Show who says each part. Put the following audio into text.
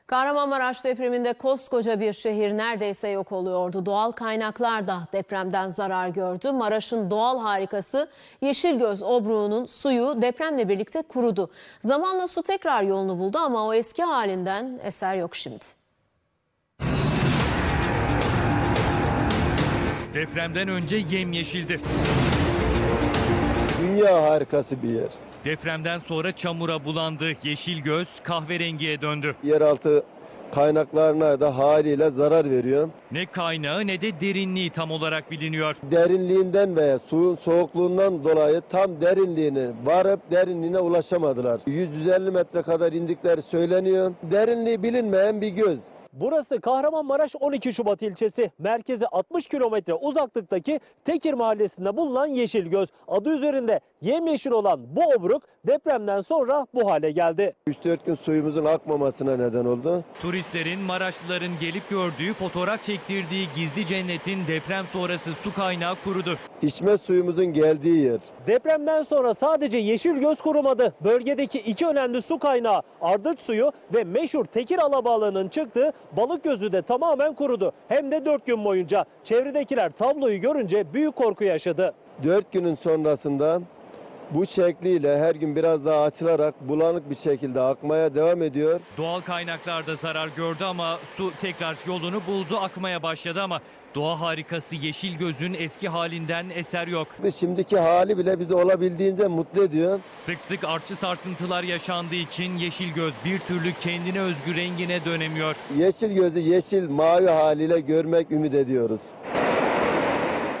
Speaker 1: Kahramanmaraş depreminde koskoca bir şehir neredeyse yok oluyordu. Doğal kaynaklar da depremden zarar gördü. Maraş'ın doğal harikası Yeşilgöz Obruğu'nun suyu depremle birlikte kurudu. Zamanla su tekrar yolunu buldu ama o eski halinden eser yok şimdi.
Speaker 2: Depremden önce yemyeşildi.
Speaker 3: Dünya harikası bir yer.
Speaker 2: Depremden sonra çamura bulandı. Yeşilgöz kahverengiye döndü.
Speaker 3: Yeraltı kaynaklarına da haliyle zarar veriyor.
Speaker 2: Ne kaynağı ne de derinliği tam olarak biliniyor.
Speaker 3: Derinliğinden veya suyun soğukluğundan dolayı tam derinliğine varıp derinliğine ulaşamadılar. 150 metre kadar indikleri söyleniyor. Derinliği bilinmeyen bir göz.
Speaker 4: Burası Kahramanmaraş 12 Şubat ilçesi. Merkeze 60 kilometre uzaklıktaki Tekir mahallesinde bulunan Yeşilgöz. Adı üzerinde yemyeşil olan bu obruk depremden sonra bu hale geldi.
Speaker 3: 3-4 gün suyumuzun akmamasına neden oldu.
Speaker 2: Turistlerin, Maraşlıların gelip gördüğü, fotoğraf çektirdiği gizli cennetin deprem sonrası su kaynağı kurudu.
Speaker 3: İçme suyumuzun geldiği yer.
Speaker 4: Depremden sonra sadece Yeşilgöz kurumadı. Bölgedeki iki önemli su kaynağı Ardıç suyu ve meşhur Tekir Alabalığı'nın çıktığı Balıkgözü de tamamen kurudu. Hem de 4 gün boyunca. Çevredekiler tabloyu görünce büyük korku yaşadı.
Speaker 3: 4 günün sonrasında bu şekliyle her gün biraz daha açılarak bulanık bir şekilde akmaya devam ediyor.
Speaker 2: Doğal kaynaklarda zarar gördü ama su tekrar yolunu buldu, akmaya başladı ama doğa harikası Yeşilgöz'ün eski halinden eser yok.
Speaker 3: Şimdiki hali bile bizi olabildiğince mutlu ediyor.
Speaker 2: Sık sık artçı sarsıntılar yaşandığı için Yeşilgöz bir türlü kendine özgü rengine dönemiyor.
Speaker 3: Yeşil gözü yeşil mavi haliyle görmek ümit ediyoruz.